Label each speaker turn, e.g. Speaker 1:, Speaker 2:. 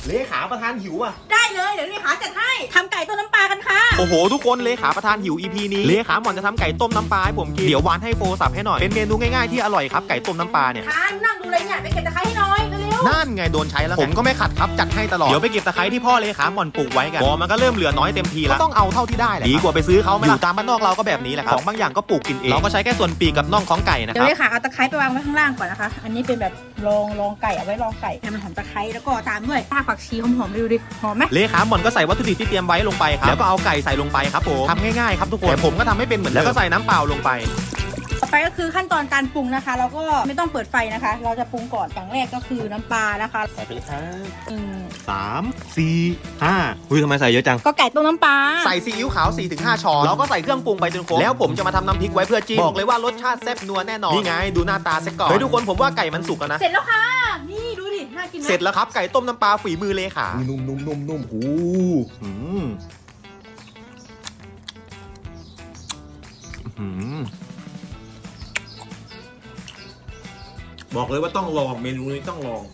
Speaker 1: เลขาประธานหิวอ่ะ
Speaker 2: ได้เลยเดี๋ยวเลขาจัดให้ทำไก่ต้มน้ำปลากันค่ะ
Speaker 1: โอ้โหทุกคนเลขาประธานหิว EP นี้เลขาหมอนจะทำไก่ต้มน้ำปลาให้ผมกินเดี๋ยววานให้โฟสับให้หน่อยเป็นเมนูง่ายๆที่อร่อยครับไก่ต้มน้ำปลาเนี่ย
Speaker 2: นั่งดูเลยเนี่ยไปเก็บตะไคร้ให้น้อยเร็ว
Speaker 1: นั่นไงโดนใช้แล้วผมก็ไม่ขัดครับจัดให้ตลอดเดี๋ยวไปเก็บตะไคร้ที่พ่อเลขาหมอนปลูกไว้กันพอมันก็เริ่มเหลือน้อยเต็มทีแล้วก็ต้องเอาเท่าที่ได้แหละดีกว่าไปซื้อเขาไม่อยู่ตามบ้านนอกเราก็แบบนี้แหละครับของบางอย่างก็ปลูกกินเองเราก็ใช้แค่ส่วนปีกกับน่องของไก่นะค
Speaker 2: เดี๋ย
Speaker 1: รับ
Speaker 2: วเลขาเอาตะไคร้ไปวางไว้ข้างล่างก่อนนะคะอันนี้เป็นแบบรองไก่เอาไว้รองไก่ให้มันหอมตะไคร้แล้วก็ตามด้วยรากผักชีหอมๆดูดิหอมไหม
Speaker 1: เลขาหมอนก็ใส่วัตถุดิบที่เตรียมไว้ลงไปครับแล้วก็เอาไก่ใส่ลงไปครับผมทำง่ายๆครับทุกคนแต่ผมก็ทำไม่เป็นเหมือนแล้วก็ใส่น้ำเปล่าลงไป
Speaker 2: ต่อไปก็คือขั้นตอนการปรุงนะคะเราก็ไม่ต้องเปิดไฟนะคะเราจะปรุงก่อนอย่างแรกก็คือน้ำปลานะคะ
Speaker 1: ใส่ไปเลยครับ3 4 5อุ้ยทำไมใส่เยอะจัง
Speaker 2: ก็ไก่ต้มน้ำปลา
Speaker 1: ใส่ซีอิ๊วขาว 4-5 ช้อนแล้วก็ใส่เครื่องปรุงไปจนครบแล้วผมจะมาทำน้ำพริกไว้เพื่อจิ้มบอกเลยว่ารสชาติแซ่บนัวแน่นอนนี่ไงดูหน้าตาซะก่อนเฮ้ยทุกคนผมว่าไก่มันสุกแล้วนะ
Speaker 2: เสร็จแล้วค่ะนี่ดูดิน่ากิน
Speaker 1: เสร็จแล้วครับไก่ต้มน้ำปลาฝีมือเลขา
Speaker 3: นุ่มโอ้บอกเลยว่าต้องลองเมนูนี้ต้องลอง